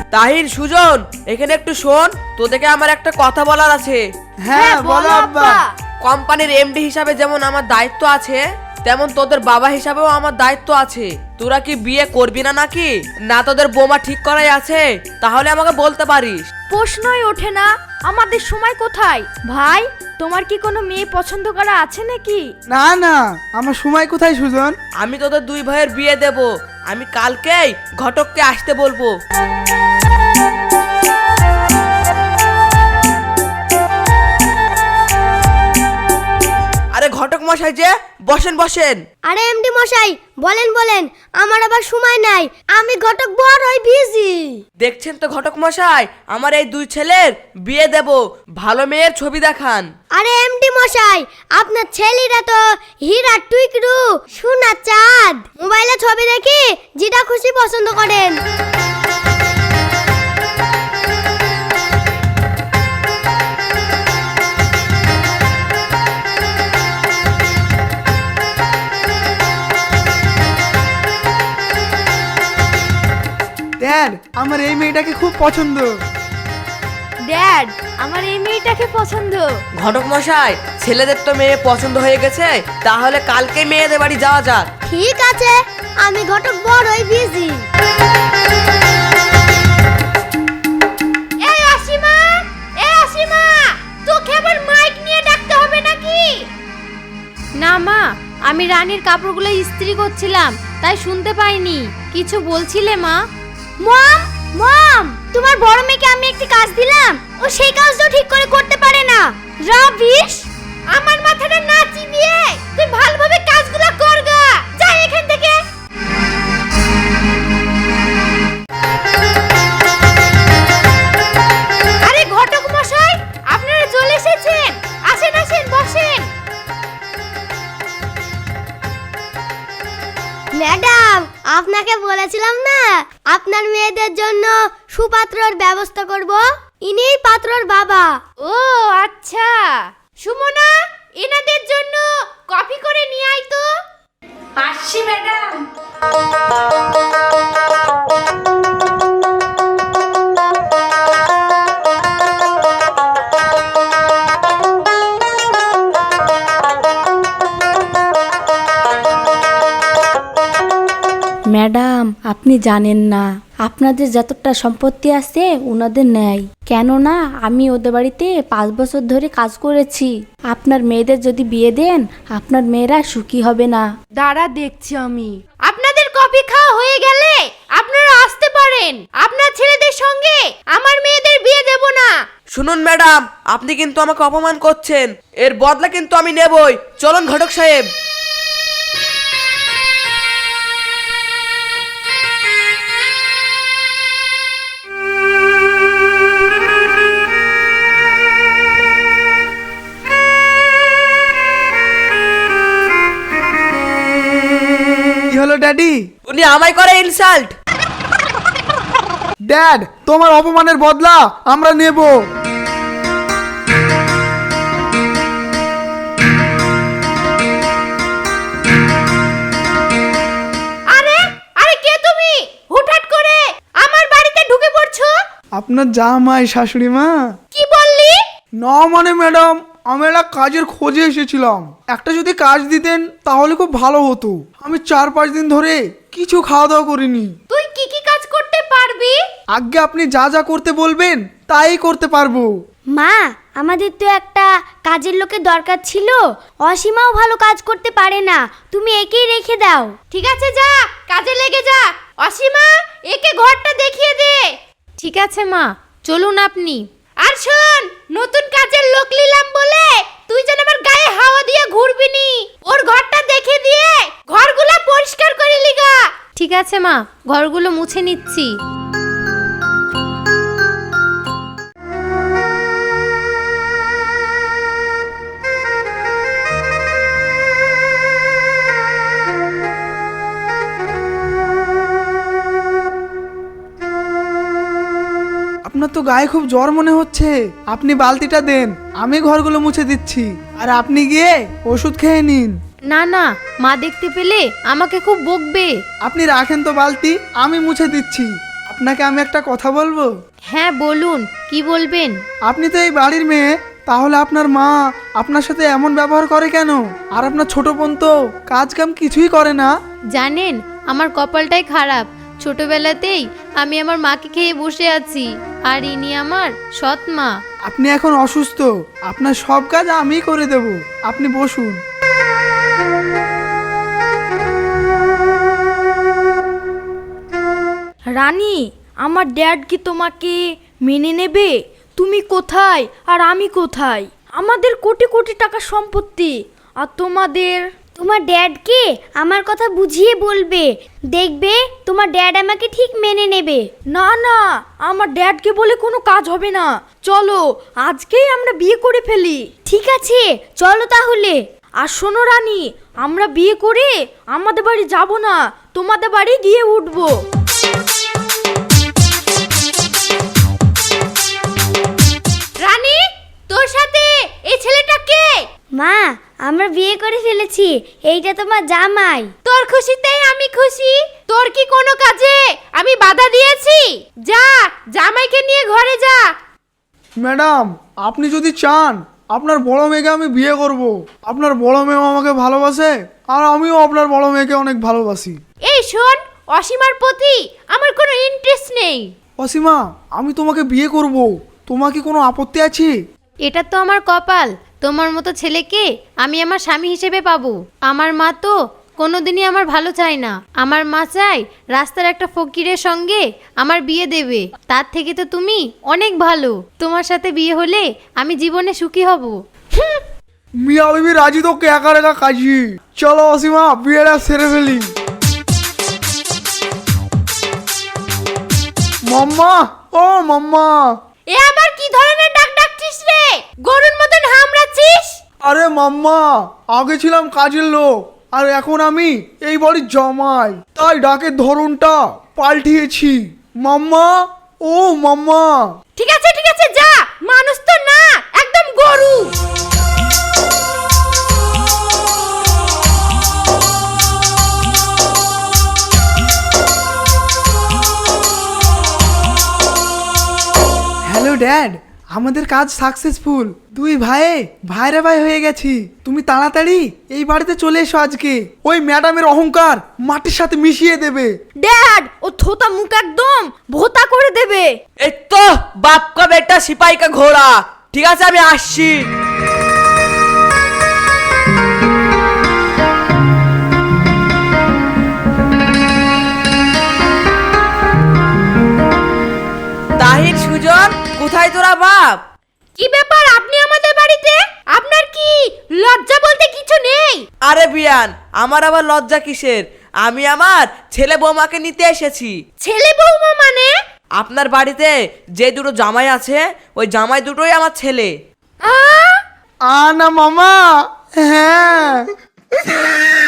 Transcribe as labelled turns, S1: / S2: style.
S1: তাহির, সুজন, এখানে একটু শোন, তোদেরকে আমার একটা কথা বলার আছে।
S2: হ্যাঁ বলো আব্বা।
S1: কোম্পানির এমডি হিসাবে যেমন আমার দায়িত্ব আছে, তেমন তোদের বাবা হিসাবেও আমার দায়িত্ব আছে। তোরা কি বিয়ে করবি না নাকি? না তোদের বোমা ঠিক করাই আছে? তাহলে আমাকে বলতে পারিস।
S3: প্রশ্নই ওঠে না, আমাদের সময় কোথায়? ভাই, তোমার কি কোনো মেয়ে পছন্দ করা আছে নাকি?
S2: না না, আমার সময় কোথায় সুজন?
S1: আমি তোদের দুই ভাইয়ের বিয়ে দেব। আমি কালকেই ঘটককে আসতে বলবো। আরে ঘটক মশাই যে, বসেন বসেন।
S4: আরে এমডি মশাই, বলেন বলেন, আমার আবার সময় নাই, আমি ঘটক বড়ই বিজি।
S1: দেখছেন তো ঘটক মশাই, আমার এই দুই ছেলের বিয়ে দেব। ভালো মেয়ের ছবি দেখান।
S4: আরে এমডি মশাই, আপনার ছেলেরা তো হীরা টুইকরু সোনা চাঁদ, মোবাইলে ছবি দেখি যেটা খুশি পছন্দ করেন।
S2: ড্যাড, আমার এই মেয়েটাকে খুব পছন্দ।
S3: ড্যাড, আমার এই মেয়েটাকে পছন্দ।
S1: ঘটক মশাই, ছেলেদের তো মেয়ে পছন্দ হয়ে গেছে, তাহলে কালকে মেয়েদের বাড়ি যাওয়া যাক।
S4: ঠিক আছে, আমি ঘটক বড়ই বিজি।
S3: এই অসীমা, এই অসীমা, তোকে আবার মাইক নিয়ে ডাকতে হবে নাকি? না মা, আমি রানীর কাপড়গুলো ইস্ত্রি করছিলাম, তাই শুনতে পাইনি। কিছু বলছিলে মা?
S4: মম, মম, তোমার বড় মেয়েকে আমি একটি কাজ দিলাম, ও সেই কাজটাও ঠিক করে করতে পারে না। রাবিশ!
S3: আমার মাথাটা না চিবিয়ে তুই ভালোভাবে কাজগুলো করগা। যা এখান থেকে। আরে ঘটক মশাই, আপনারা চলে এসেছেন। আসেন আসেন, বসেন।
S4: ম্যাডাম, আপনাকে বলেছিলাম না আপনার মেয়েদের জন্য সুপাত্রর ব্যবস্থা করব। ইনিই পাত্রর বাবা।
S3: ও আচ্ছা। সুমনা, এনাদের জন্য কফি করে নিয়ে আয় তো। আসছি ম্যাডাম।
S5: ম্যাডাম, আপনি জানেন না আপনাদের যতটা সম্পত্তি আছে ওনাদের নেই। কেননা আমি ওদের বাড়িতে 5 বছর ধরে কাজ করেছি। আপনার মেয়েদের যদি বিয়ে দেন, আপনার মেয়েরা সুখী হবে না।
S3: দাঁড়া, দেখছি আমি। আপনাদের কফি খাওয়া হয়ে গেলে আপনারা আসতে পারেন। আপনার ছেলেদের সঙ্গে আমার মেয়েদের বিয়ে দেব না।
S1: শুনুন ম্যাডাম, আপনি কিন্তু আমাকে অপমান করছেন। এর বদলা কিন্তু আমি নেবই। চলুন ঘটক সাহেব।
S2: কি হলো ড্যাডি?
S1: উনি আমায় করে ইনসাল্ট।
S2: ড্যাড, তোমার অপমানের বদলা আমরা নেব।
S3: আরে আরে, কে তুমি? হুটহাট করে আমার বাড়িতে ঢুকে পড়ছো?
S2: আপনার জামাই শাশুড়ি মা।
S3: কি বললি?
S2: না মানে ম্যাডাম, আমি একটা কাজের খোঁজে এসেছিলাম। একটা যদি কাজ দিতেন তাহলে খুব ভালো হতো। আমি 4-5 দিন ধরে কিছু খাওয়া দাওয়া করিনি।
S3: তুই কি কি কাজ করতে পারবি?
S2: আগে আপনি যা যা করতে বলবেন তাই করতে পারবো।
S4: মা, আমাদের তো একটা কাজের লোকের দরকার ছিল। অসীমাও ভালো কাজ করতে পারে না, তুমি একেই রেখে দাও।
S3: ঠিক আছে, যা কাজে লেগে যা। অসীমা, একে ঘরটা দেখিয়ে দে। ঠিক আছে মা, চলুন আপনি। আর শোন, নতুন কাজের লোক নিলাম বলে তুই যেন আমার গায়ে হাওয়া দিয়ে ঘুরবি নি। ওর ঘরটা দেখে দিয়ে ঘরগুলো পরিষ্কার করে লিগা। ঠিক আছে মা, ঘরগুলো মুছে নিচ্ছি।
S2: আপনার তো গায়ে খুব জ্বর মনে হচ্ছে। আপনি বালতিটা দেন, আমি ঘরগুলো মুছে দিচ্ছি। আর আপনি গিয়ে ওষুধ খেয়ে নিন।
S3: না না, মা দেখতে পেলে আমাকে খুব বকবে।
S2: আপনি রাখেন তো বালতি, আমি মুছে দিচ্ছি। আপনাকে আমি একটা কথা বলবো।
S3: হ্যাঁ বলুন, কি বলবেন?
S2: আপনি তো এই বাড়ির মেয়ে, তাহলে আপনার মা আপনার সাথে এমন ব্যবহার করে কেন? আর আপনার ছোট বোন তো কাজ কাম কিছুই করে না।
S3: জানেন, আমার কপালটাই খারাপ। ছোটবেলাতেই আমি আমার মাকে খেয়ে বসে আছি, আর ইনি আমার সৎ মা।
S2: আপনি এখন অসুস্থ, আপনার সব কাজ আমিই করে দেব, আপনি বসুন।
S6: রানী, আমার ড্যাড কি তোমাকে মেনে নেবে? তুমি কোথায় আর আমি কোথায়? আমাদের কোটি কোটি টাকা সম্পত্তি, আর
S4: তোমার ড্যাডকে আমার কথা বুঝিয়ে বলবে, দেখবে তোমার ড্যাড আমাকে ঠিক মেনে নেবে।
S6: না না, আমার ড্যাডকে বলে কোনো কাজ হবে না। চলো আজকেই আমরা বিয়ে করে ফেলি।
S4: ঠিক আছে, চলো তাহলে।
S6: আর শোনো রানী, আমরা বিয়ে করে আমাদের বাড়ি যাব না, তোমাদের বাড়ি গিয়ে উঠবো।
S3: রানী, তোর সাথে এই ছেলেটা কে?
S4: মা, আমরা বিয়ে করে ফেলেছি, এইটা তোমার জামাই।
S3: তোর খুশিতেই আমি খুশি। তোর কি কোনো কাজে আমি বাধা দিয়েছি? যা, জামাইকে নিয়ে ঘরে যা।
S2: ম্যাডাম, আপনি যদি চান আপনার বড় মেয়েকে আমি বিয়ে করব, আপনার বড় মেয়েও আমাকে ভালোবাসে আর আমিও আপনার বড় মেয়েকে অনেক ভালোবাসি।
S3: এই শোন, অসীমার প্রতি আমার কোনো ইন্টারেস্ট নেই।
S2: অসীমা, আমি তোমাকে বিয়ে করব, তোমার কি কোনো আপত্তি আছে?
S3: এটা তো আমার কপাল, তোমার মতো ছেলেকে আমি আমার স্বামী হিসেবে পাবো। আমার মা তো কোনোদিনই আমার ভালো চায় না। আমার মা চায় রাস্তার একটা ফকিরের সঙ্গে আমার বিয়ে দেবে। তার থেকে তো তুমি অনেক ভালো। তোমার সাথে বিয়ে হলে আমি জীবনে সুখী হব।
S2: মিয়া বিবি রাজি তো একা একা কাজী। চলো অসীমা, বিয়েটা সেরে ফেলি। মাম্মা, ও মাম্মা।
S3: এ আবার কি ধরনের ডাক ডাকছিস রে? গরুর মতন হামড়াচ্ছিস?
S2: আরে মাম্মা, আগে ছিলাম কাজের লোক আর এখন আমি এই বাড়ির জামাই, তাই ডাকের ধরনটা পাল্টিয়েছি। মাম্মা, ও মাম্মা।
S3: ঠিক আছে যা, মানুষ তো না, একদম গরু।
S2: হ্যালো ড্যাড, আমাদের কাজ সাকসেসফুল। দুই ভাইরা ভাই হয়ে গেছি। তুমি তাড়াতাড়ি এই বাড়িতে চলে এসো আজকে। ওই ম্যাডামের অহংকার মাটির সাথে মিশিয়ে দেবে।
S6: ড্যাড, ও থোতা মুখ একদম ভোতা করে দেবে।
S1: এই তো বাপ কা বেটা সিপাহি কা ঘোড়া। ঠিক আছে, আমি আসছি। তাহির, সুজন, কোথায় তোরা বাপ?
S3: কি ব্যাপার, আপনি আমাদের বাড়িতে? আপনার কি লজ্জা বলতে কিছু নেই?
S1: আরে বিয়ান, আমার আবার লজ্জা কিসের? আমি আমার ছেলে বৌমাকে নিতে এসেছি।
S3: ছেলে বৌমা মানে?
S1: আপনার বাড়িতে যে দুটো জামাই আছে, ওই জামাই দুটোই আমার ছেলে।
S3: আ
S2: না মামা, হ্যাঁ।